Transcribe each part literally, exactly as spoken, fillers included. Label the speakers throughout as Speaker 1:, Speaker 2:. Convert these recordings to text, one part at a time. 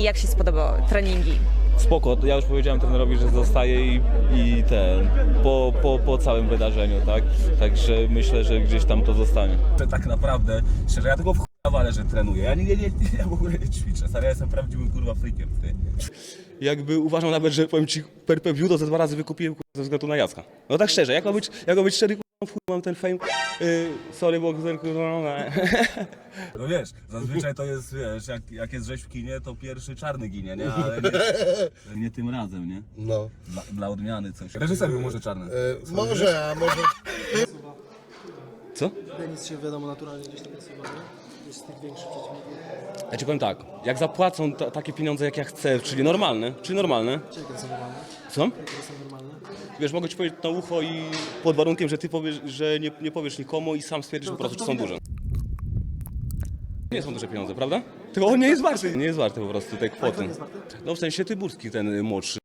Speaker 1: jak się spodobały treningi?
Speaker 2: Spoko, ja już powiedziałem trenerowi, że zostaje i, i ten, po, po, po całym wydarzeniu, tak? Także myślę, że gdzieś tam to zostanie. Tak naprawdę, szczerze, ja tego w chuja walę, że trenuję. Ja nie, nie, nie, ja w ogóle nie ćwiczę, stary, ja jestem prawdziwym kurwa freakiem, ty. Jakby uważam nawet, że powiem ci, per per view to ze dwa razy wykupiłem kurwa, ze względu na Jacka. No tak szczerze, jak ma być, jak ma być szczery, kurwa, w chuj mam ten fame, yy, sorry, bo kurwa, no wiesz, zazwyczaj to jest, wiesz, jak, jak jest rzeź w kinie, to pierwszy czarny ginie, nie? Ale nie, nie tym razem, nie?
Speaker 3: No.
Speaker 2: Dla, dla odmiany coś. Reżyser był może czarny.
Speaker 3: E, może, a może...
Speaker 2: Co?
Speaker 4: Denis się wiadomo naturalnie gdzieś tam nasuwa, nie? Jest z tych większych przeciwników.
Speaker 2: Ja ci powiem tak, jak zapłacą ta, takie pieniądze jak ja chcę, czyli normalne, czyli normalne.
Speaker 4: Jakie to są normalne?
Speaker 2: Co?
Speaker 4: Jakie to są normalne?
Speaker 2: Wiesz, mogę ci powiedzieć na ucho i pod warunkiem, że ty powiesz, że nie, nie powiesz nikomu i sam stwierdzisz po prostu, czy są duże. Nie są duże pieniądze, prawda? Tylko on nie jest warty. Nie jest warty po prostu tej kwoty. No w sensie Tyburski, ten młodszy.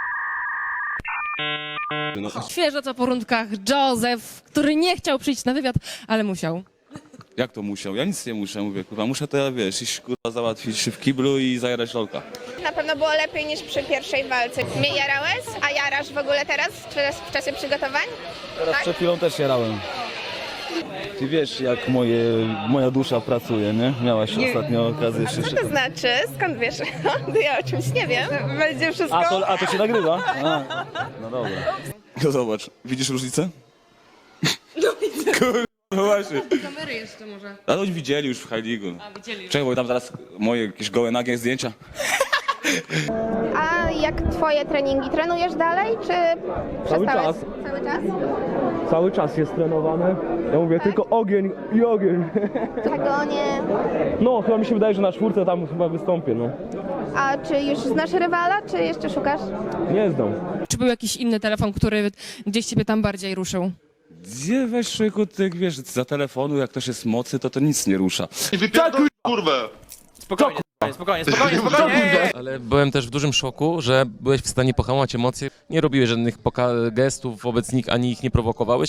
Speaker 2: No,
Speaker 5: Świeżo co po rundkach Józef, który nie chciał przyjść na wywiad, ale musiał.
Speaker 2: jak to musiał? Ja nic nie muszę, mówię, kurwa, muszę to, wiesz, iść kurwa załatwić w kiblu i zajarać lolka.
Speaker 6: Na pewno było lepiej niż przy pierwszej walce. Mnie jarałeś, a jarasz w ogóle teraz, w, w czasie przygotowań?
Speaker 2: Teraz
Speaker 6: Tak?
Speaker 2: przed chwilą też jarałem. Ty wiesz, jak moje, moja dusza pracuje, nie? Miałaś nie. ostatnio okazję jeszcze...
Speaker 6: Co to znaczy? Skąd wiesz? Ja o czymś nie wiem. Będzie wszystko...
Speaker 2: A to, a to się nagrywa? A, no dobra. No zobacz, widzisz różnicę?
Speaker 5: No widzę.
Speaker 2: Kurwa, no właśnie.
Speaker 5: Kamery jeszcze może.
Speaker 2: A to oni widzieli już w High League.
Speaker 5: A, widzieli.
Speaker 2: Czekaj, bo tam zaraz moje jakieś gołe nagie zdjęcia.
Speaker 6: A jak twoje treningi? Trenujesz dalej, czy
Speaker 2: Cały
Speaker 6: przestałeś?
Speaker 2: czas.
Speaker 6: Cały czas?
Speaker 2: Cały czas jest trenowane. Ja mówię tylko ogień i ogień.
Speaker 6: Czego nie...
Speaker 2: No, chyba mi się wydaje, że na czwórce tam chyba wystąpię, no.
Speaker 6: A czy już znasz rywala, czy jeszcze szukasz?
Speaker 2: Nie znam.
Speaker 5: Czy był jakiś inny telefon, który gdzieś ciebie tam bardziej ruszył?
Speaker 2: Gdzie weź człowieku, ty wiesz, za telefonu, jak ktoś jest mocy, to to nic nie rusza.
Speaker 7: Wypierdol kurwę!
Speaker 8: Spokojnie, spokojnie, spokojnie, spokojnie!
Speaker 9: Ale byłem też w dużym szoku, że byłeś w stanie pohamować emocje. Nie robiłeś żadnych poka- gestów wobec nich, ani ich nie prowokowałeś.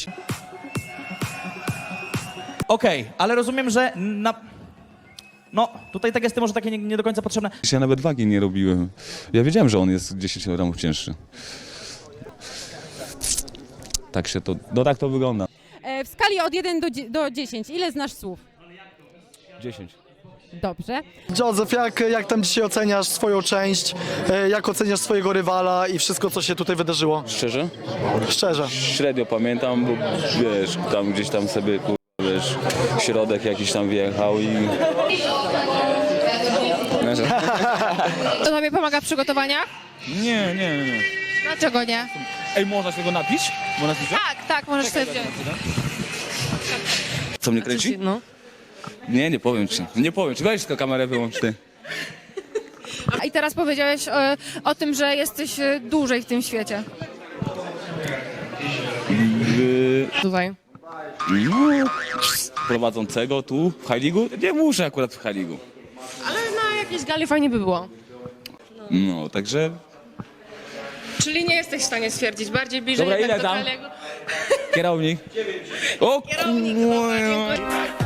Speaker 8: Okej, ale rozumiem, że na... No, tutaj te gesty może takie nie, nie do końca potrzebne.
Speaker 2: Ja nawet wagi nie robiłem. Ja wiedziałem, że on jest dziesięć kilogramów cięższy. Tak się to, no tak to wygląda.
Speaker 10: E, w skali od jeden do dziesięciu, ile znasz słów?
Speaker 2: dziesięć.
Speaker 10: Dobrze.
Speaker 4: Józef, jak, jak tam dzisiaj oceniasz swoją część? E, Jak oceniasz swojego rywala i wszystko, co się tutaj wydarzyło?
Speaker 2: Szczerze?
Speaker 4: Szczerze.
Speaker 2: Średnio pamiętam, bo wiesz, tam gdzieś tam sobie, kur... wiesz, środek jakiś tam wjechał i...
Speaker 5: To tobie pomaga w przygotowaniach?
Speaker 2: Nie, nie, nie.
Speaker 5: Dlaczego nie?
Speaker 2: Ej, można się go napić? Można się
Speaker 5: Tak, tak, możesz sobie wziąć.
Speaker 2: Co mnie kręci?
Speaker 5: No.
Speaker 2: Nie, nie powiem ci. Nie powiem ci. Weź tylko kamerę wyłącz ty.
Speaker 5: A i teraz powiedziałeś o, o tym, że jesteś e, dłużej w tym świecie.
Speaker 2: Yy,
Speaker 5: Tutaj.
Speaker 2: no, prowadzącego tu w High League'u? Nie muszę akurat w High League'u.
Speaker 5: Ale na jakiejś gali fajnie by było.
Speaker 2: No, także...
Speaker 5: Czyli nie jesteś w stanie stwierdzić, bardziej bliżej
Speaker 2: Dobra,
Speaker 5: jednak
Speaker 2: ile
Speaker 5: do
Speaker 2: tam?
Speaker 5: Kaliego.
Speaker 2: Kierownik. O
Speaker 5: Kierownik, dobra, dziękuję.